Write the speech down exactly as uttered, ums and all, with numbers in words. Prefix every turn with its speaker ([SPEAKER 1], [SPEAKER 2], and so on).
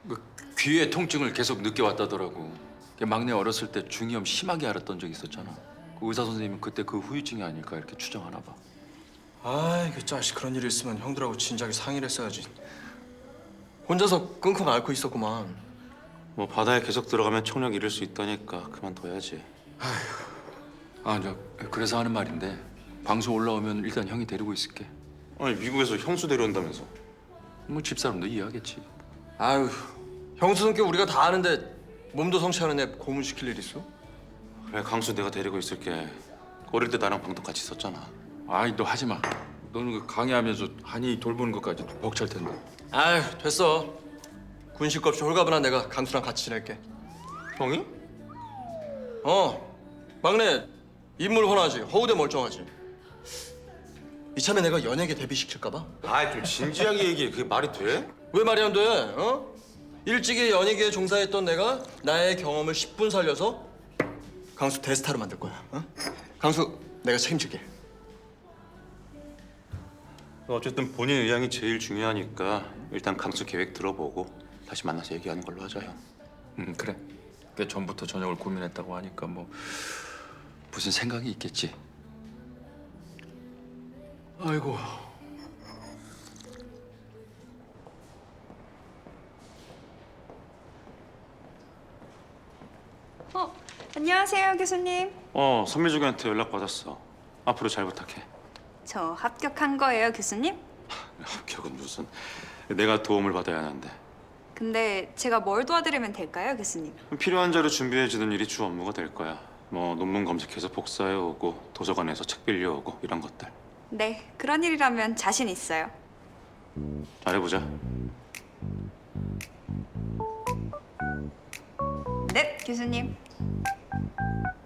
[SPEAKER 1] 그 귀의 통증을 계속 느껴왔다더라고. 막내 어렸을 때 중이염 심하게 앓았던 적이 있었잖아. 그 의사 선생님은 그때 그 후유증이 아닐까 이렇게 추정하나 봐.
[SPEAKER 2] 아이 그 자식 그런 일이 있으면 형들하고 진작에 상의를 했어야지. 혼자서 끙끙 앓고 있었구만.
[SPEAKER 3] 뭐 바다에 계속 들어가면 총력 잃을 수 있다니까 그만둬야지.
[SPEAKER 1] 아, 저 그래서 하는 말인데 방송 올라오면 일단 형이 데리고 있을게.
[SPEAKER 3] 아니 미국에서 형수 데려온다면서.
[SPEAKER 1] 뭐 집사람도 이해하겠지.
[SPEAKER 2] 아유 형수 성격 우리가 다 아는데 몸도 성취하는 애 고문시킬 일 있어?
[SPEAKER 3] 그래 강수 내가 데리고 있을게. 어릴 때 나랑 방도 같이 썼잖아.
[SPEAKER 1] 아이, 너 하지 마. 너는 그 강의하면서 한이 돌보는 것까지 벅찰 텐데.
[SPEAKER 2] 아유 됐어. 군식 없이 홀가분한 내가 강수랑 같이 지낼게.
[SPEAKER 3] 형이?
[SPEAKER 2] 어 막내 인물 훤하지 허우대 멀쩡하지. 이참에 내가 연예계 데뷔시킬까 봐?
[SPEAKER 3] 아이 좀 진지하게 얘기해. 그게 말이 돼?
[SPEAKER 2] 왜 말이 안 돼? 어? 일찍이 연예계에 종사했던 내가 나의 경험을 십 분 살려서 강수 대스타로 만들 거야. 어? 강수 내가 책임질게.
[SPEAKER 3] 어쨌든 본인 의향이 제일 중요하니까 일단 강수 계획 들어보고 다시 만나서 얘기하는 걸로 하자 형.
[SPEAKER 1] 음, 그래. 꽤 전부터 저녁을 고민했다고 하니까 뭐 무슨 생각이 있겠지. 아이고.
[SPEAKER 4] 어, 안녕하세요, 교수님.
[SPEAKER 3] 어 선미주기한테 연락 받았어. 앞으로 잘 부탁해.
[SPEAKER 4] 저 합격한 거예요, 교수님?
[SPEAKER 3] 합격은 무슨. 내가 도움을 받아야 하는데.
[SPEAKER 4] 근데 제가 뭘 도와드리면 될까요, 교수님?
[SPEAKER 3] 필요한 자료 준비해주는 일이 주 업무가 될 거야. 뭐 논문 검색해서 복사해오고 도서관에서 책 빌려오고 이런 것들.
[SPEAKER 4] 네, 그런 일이라면 자신 있어요.
[SPEAKER 3] 잘해보자.
[SPEAKER 4] 네, 교수님.